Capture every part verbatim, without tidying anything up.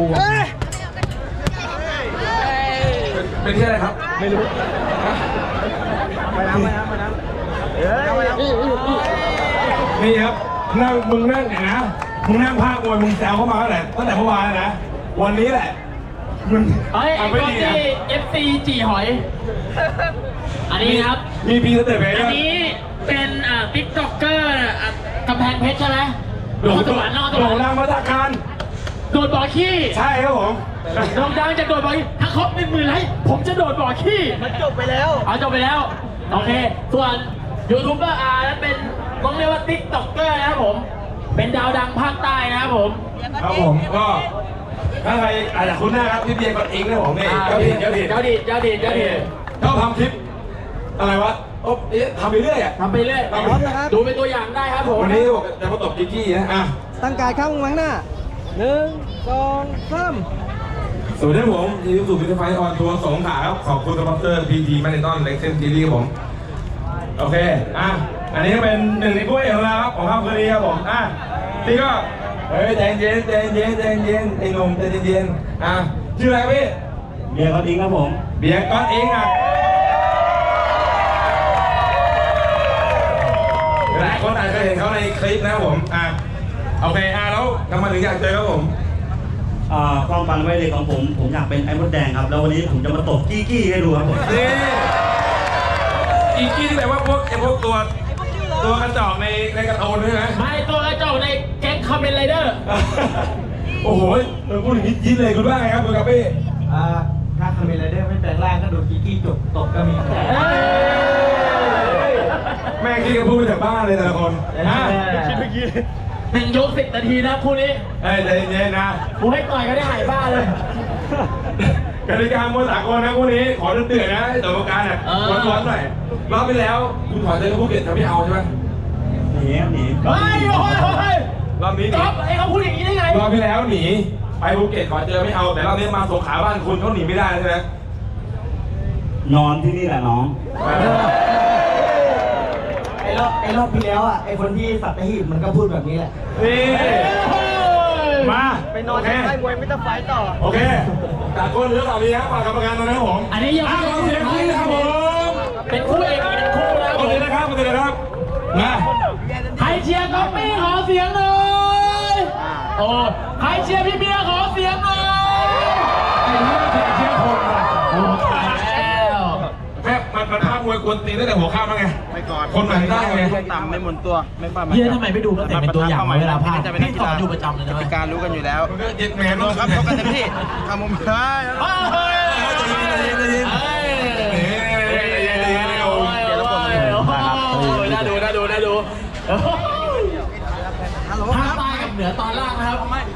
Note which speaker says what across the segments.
Speaker 1: กูเป็นที่อะไรครับไม่รู้ไปน้ำไปน้ำไปน้ำเฮ้ยนี่ครับนั่งมึงนั่งเนี่ยนะมึงนั่งภาคมวยมึงแซวเข้ามาตั้งแต่ตั้งแต่เมื่อวานนะวันนี้แหละมึง
Speaker 2: เฮ้ยไอ้คนที่ เอฟ ซี จีหอยอันนี้ครับ
Speaker 1: มีพีสเตอร์เพย์อั
Speaker 2: นนี้เป็นอ่าติ๊กต็อกเกอร์กำแพงเพชรใช่ไหม
Speaker 1: โด่งดังโด่งดังมาตรการ
Speaker 2: โดดบ่อขี้
Speaker 1: ใช่ครับผม
Speaker 2: โด่งดังจะโดดบ่อขี้ถ้าครบหนึ่งหมื่นไลค์ผมจะโดดบ่อขี้
Speaker 3: มันจบไปแล้ว
Speaker 2: เอาจบไปแล้วโอเคส่วนยูทูบเบอร์อาร์นั้นเป็นต้องเรียกว่าติ๊กต็อกเกอร์นะครับผมเป็นดาวดังภาคใต้นะครับผม
Speaker 1: ครับผมก็ถ้าใครอาจจะคุ้นหน้าครับพี่เบียร์กดอิงนะผมนี่เจ้าถิ่นเจ้าถิ่น
Speaker 2: เจ้าถิ่นเจ้าถิ่นเจ้าถิ่น
Speaker 1: ชอบทำคลิปอะไรวะโอ้ทำไปเรื่อยอ่ะ
Speaker 2: ทำไปเรื่อยดูเป็นตัวอย่างได้ครับผม
Speaker 1: วันนี้จะมาตบกิ๊กกี้นะอ่ะ
Speaker 3: ตั้งกายเข้าข้างหน้าหนึ่งสองสาม
Speaker 1: สวัสดีผมยินดีสู่พิธีไฟออนทัวร์สงขลาครับขอบคุณสปอนเซอร์พีจีแมนนอนเล็กเซนซีรีส์ผมโอเคอ่ะอันนี้ก็เป็นหนึ่งในผู้เอกของเราครับของค่ำคืนนี้ครับผมอ่ะที่ก็เฮ้ยใจเย็นใจเย็นใจเย็นไอ้หนุ่มใจเย็นอ่ะชื่ออะไรพี่
Speaker 3: เบียร์ก้อนอิงครับผม
Speaker 1: เบียร์ก้อนอิงอ่ะหลายคนอาจจะเห็นเขาในคลิปนะครับผมอ่ะโอเคอ่ะแล้วทำไมถึงอยากเจอครับผม
Speaker 3: ความฝันวัยเด็กของผมผมอยากเป็นไอ้มดแดงครับแล้ววันนี้ผมจะมาตบกี้กี้ให้ดูครับผม
Speaker 1: นี่กี้กี้ที่แปลว่าพวกไอ้พวกตัวตัวกระจอกในในกระโตนใช่ไหม
Speaker 2: ไม่ตัวกระจอกในแก๊งคาเมนไรเดอร์
Speaker 1: โอ้โหเราพูดอย่างนี้ยิ้มเลยคุณว่าไงครับคุณกับพี่
Speaker 3: อ่าถ้าคาเมนไรเดอร์ไม่แปลงร่างก็โดนกี้กี้จบตบก็มี
Speaker 1: แม่กี้ก็พูดไปจากบ้านเลยแต่ละคน
Speaker 3: คิดเมื่อกี้
Speaker 2: หนึ่งยกสิบนาทีนะคู่นี้
Speaker 1: เอ้ยใจเย็นนะ
Speaker 2: กูให้ต่อยก็ได้หายบ้าเลย
Speaker 1: กติกามวยสากลนะคู่นี้ขอเตือนนะต่อการเนี่ยร้อนๆหน่อยรอบไปแล้วคุณถอยเจอภูเก็ตจะไม่เอาใช่ไหม
Speaker 3: หนีหนี
Speaker 2: เฮ้ยโอ้ย
Speaker 1: รอบนี้หนี
Speaker 2: ไอ้เขาพูดอย่างนี้ได้ไง
Speaker 1: รอบที่แล้วหนีไปภูเก็ตขอเจอไม่เอาแต่รอบนี้มาสงขลาบ้านคุณเขาหนีไม่ได้ใช่ไหม
Speaker 3: นอนที่นี่แหละน้องไอ้รอบไอ้รอบที่แล้วอ่ะไอ้คนที่สัตหีบมันก็พูดแบบนี้แหละ
Speaker 1: นี่มา
Speaker 3: ไปนอนใต้มวยไม่ต้องไฟต่อ
Speaker 1: โอเคจากคนเหลือสามีครับฝากกรรมการตอนนี้ผม
Speaker 2: อันนี้ยัง
Speaker 1: ขอเสียงคู่นะครับผม
Speaker 2: เป็นคู่เอกอีกหนึ่งคู่แล้ว
Speaker 1: โอเคนะครับโอเคนะครับมา
Speaker 2: ใครเชียร์ก๊อปปี้ขอเสียงหน่อยโอ้ใครเชียร์พี่เบียร์ขอเสียงหน่อย
Speaker 1: ไอ้เรื่องเชียร์เชียร์คนอ่ะ
Speaker 2: โอ้ตายแล้ว
Speaker 1: แม่มันมันภาพมวยกวนตีนตั้งแต่หัวข้ามแล้วไง
Speaker 3: ไม่ก่อน
Speaker 1: คนไหนได้ไง
Speaker 3: ต่ำไม่หมุนตัวไม่ป้า
Speaker 2: เบียร์ทำไมไม่ดูตั้งแต่เป็นตัวอย่างเวลาพลาดพี่สอนอยู่ประจำเลยนะ
Speaker 3: เป็นการรู้กันอยู่แล้ว
Speaker 1: เย็นแมน
Speaker 3: ครับเขากันเต็มที่ทำมุมได้
Speaker 1: เฮ้ยใจเย็นใจเย็น
Speaker 2: น่าดูน่าดูน่าดูภาคใต้กับเหนือตอนล่างนะครับ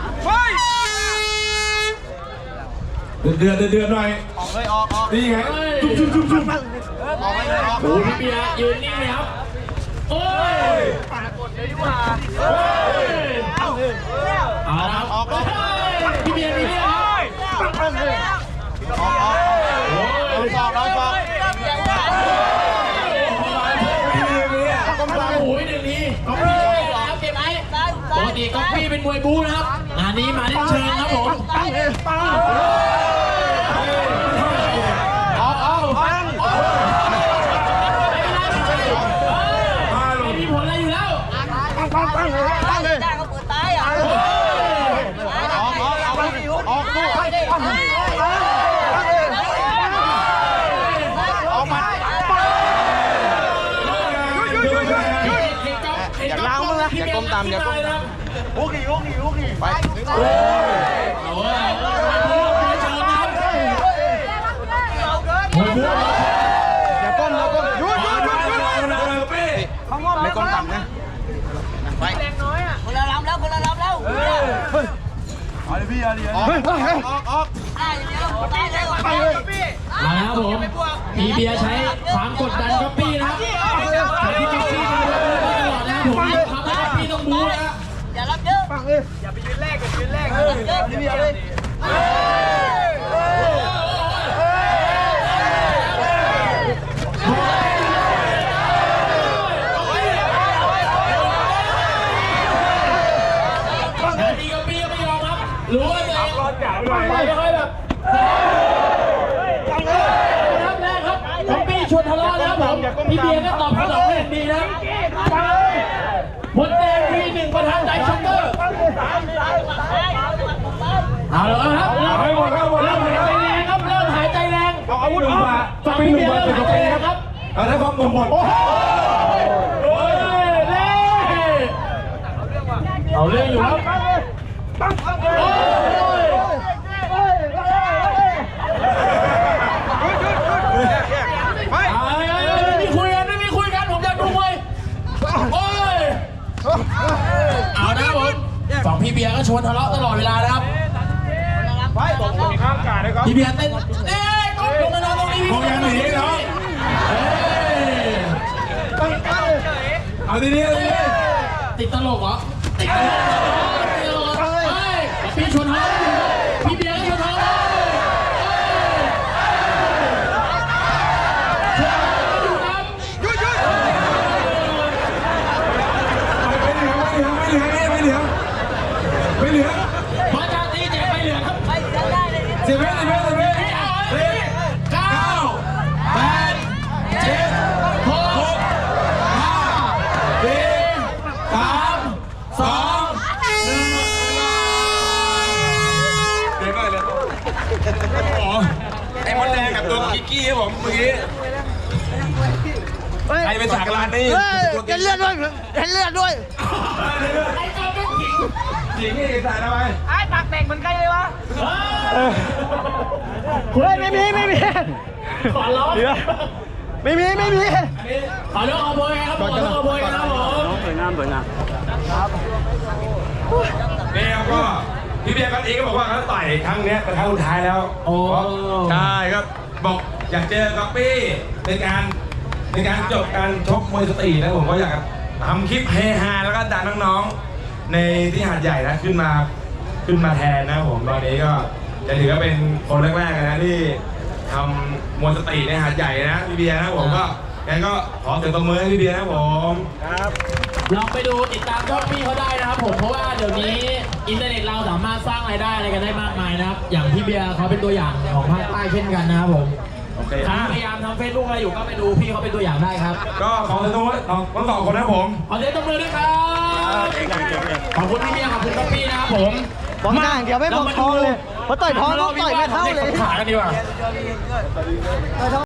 Speaker 1: เดือดเดือดหน่อย
Speaker 3: ออกเลยออกออก
Speaker 1: นี่ไงจุ๊บจุ๊บจุ๊บจุ๊บ
Speaker 3: ออกไปเลยออก
Speaker 2: โอ้พี่เบียร์ยืนนิ่งเลยครับโอ้ย
Speaker 3: ปากดเลยดีกว่า
Speaker 2: เอาเอา
Speaker 3: ออก
Speaker 2: พี่เบียร์พี่เบียร์
Speaker 3: ออกออกออกออกออก
Speaker 2: โอ้ยหนึ่งนี้ก๊อปปี้แล้วเก็บไหมปกติก๊อปปี้เป็นมวยบู๊นะครับงานนี้มาเล่นเชิงครับผม
Speaker 3: ปังเลยปังออกออกปัง
Speaker 2: ไม่มีผลอะไรอยู่แล้ว
Speaker 3: ปังปังปังเลยปังเลย
Speaker 4: ได้เขาเปิดตายอ่ะ
Speaker 3: ออกออกออกออกสู้ออกมาอย่าล้างมือนะอย่าก้มตามอย่าก้มตามโอเคโอเคโอเคไปโอ้ยโอ้ยอย่าก้มอย่าก้มหยุดหยุดหยุดหยุดไม่ก้มต่ำนะไป
Speaker 4: แรงน้อยอ่ะคนละลำแล้วคนละลำแล้ว
Speaker 3: เฮ้ยเอาเลยพี่เอาเลยออกออกออก
Speaker 4: ได้อย่างเดียวได้เลย
Speaker 2: ไปเลยมาแล้วผมมีเบียร์ใช้ความกดดันก๊อปปี้นะครับใช้ที่ก๊อปปี้มาตลอดนะผมทำให้ก๊อปปี้ต้องบู๊นะ
Speaker 4: อย่ารับเยอะ
Speaker 3: ฟังเลยอย่าไปยืนแรกอย่ายืนแรกเออพี่เบียร์เลย
Speaker 2: รู้ว่าตัวเองไปค่อยแบบครับแรกครับป๊อปปี้ชวนทะเลาะนะครับผมพี่เบียร์ก็ตอบสนองได้อย่างดีนะครับหมดแดงทีหนึ่งประธานใจช็อกเกอร์เอาเลยครับเริ่มหายใจแรงครับเริ่มหายใจแรงเอาอาวุธออกฝั่งพี่เบียร์เริ่มหายใจแรงครับ
Speaker 1: เอาได้ความหมดหมด
Speaker 2: โอ้ยเล่เอาเรื่องอยู่ครับโอ้ยไม่มีคุยกันไม่มีคุยกันผมอยากดูมวยโอ้ยเอานะผมฝั่งพี่เบียร์ก็ชวนทะเลาะตลอดเวลานะครับพี่เบียร์เต้นเอ๊ะก้มลงมานอนตรงนี้
Speaker 1: คงยังหนีเนาะ
Speaker 2: เอ้ย
Speaker 1: เอาดีๆเอาดี
Speaker 2: ติดตลกเหรอติดตลกติดตลกเฮ้ยพี่ชวนทะเลาะพี่เบียร์ก็ชวนทะเลาะ
Speaker 1: ไม่เหลือไม่เหลือไม่เหลือไม่เหลือ
Speaker 2: มาจากตีเจ็บไปเหลือครับ
Speaker 4: ไม่ได้เลย
Speaker 1: สิบเมตรสิบเมตรสิบเมตร
Speaker 2: เก้าแปดเจ็ดหกห้าสี่สามสองหนึ่ง
Speaker 1: เดี๋ยวก่อนเลยอ๋อไอ้มดแดงกับตัวกิกกี้ครับผมเมื่อกี้ใครเป็นฉากลานนี่
Speaker 4: เฮ้ยเห็นเลือดด้วยเห็นเลือดด้วย
Speaker 2: ไอ้เจ้าเป็นขิง
Speaker 1: หญิงนี่ใส่ทำไม
Speaker 4: ไอ้ปากแตกเหมือนกันเลยวะ
Speaker 3: เฮ้ยไม่มีไม่มี
Speaker 2: ขอร้อง
Speaker 3: ไม่มีไม่มี
Speaker 2: ขอเลือกเอาโบยครับขอเลือกเอาโบยครับผม
Speaker 3: สวยงามสวยงาม
Speaker 1: นี่ครับก็พี่เบียร์กันเองก็บอกว่าเขาต่อยครั้งนี้เป็นครั้งสุดท้ายแล้ว
Speaker 2: โอ้
Speaker 1: ใช่ครับบอกอยากเจอก๊อปปี้ในการในการจบการชกมวยสตรีทนะผมก็อยากทำคลิปเฮฮาแล้วก็ดันน้องๆในที่หาดใหญ่นะขึ้นมาขึ้นมาแทนนะผมตอนนี้ก็จะถือว่าเป็นคนแรกๆนะที่ทำมวยสตรีทในหาดใหญ่นะพี่เบียร์นะผมก็งั้นก็ขอเสียงตบมือให้พี่เบียร์นะผม
Speaker 2: ลองไปดูติดตามช่องพี่เขาได้นะครับผมเพราะว่าเดี๋ยวนี้อินเทอร์เน็ตเราสามารถสร้างรายได้อะไรกันได้มากมายนะครับอย่างพี่เบียร์เขาเป็นตัวอย่างของภาคใต้เช่นกันนะครับผม
Speaker 1: โอเค
Speaker 2: ใครพยายามทำเฟซบุ๊กอะไรอยู่ก็ไปดูพี่เขาเป็นตัวอย่างได้ครับ
Speaker 1: ก็ขอเสียงตบมือทั้งสองคนนะผม
Speaker 2: ขอเสียงตบมือด้วยครับขอบคุณพี่เบียร์ขอบคุณพี่นะครับผม
Speaker 3: บอกหน้าอย่างเดียวไม่บอกท้องเลยเพราะต่อยท้องต้องต่อยไม่เข้าเลย
Speaker 2: ขากันดีกว่า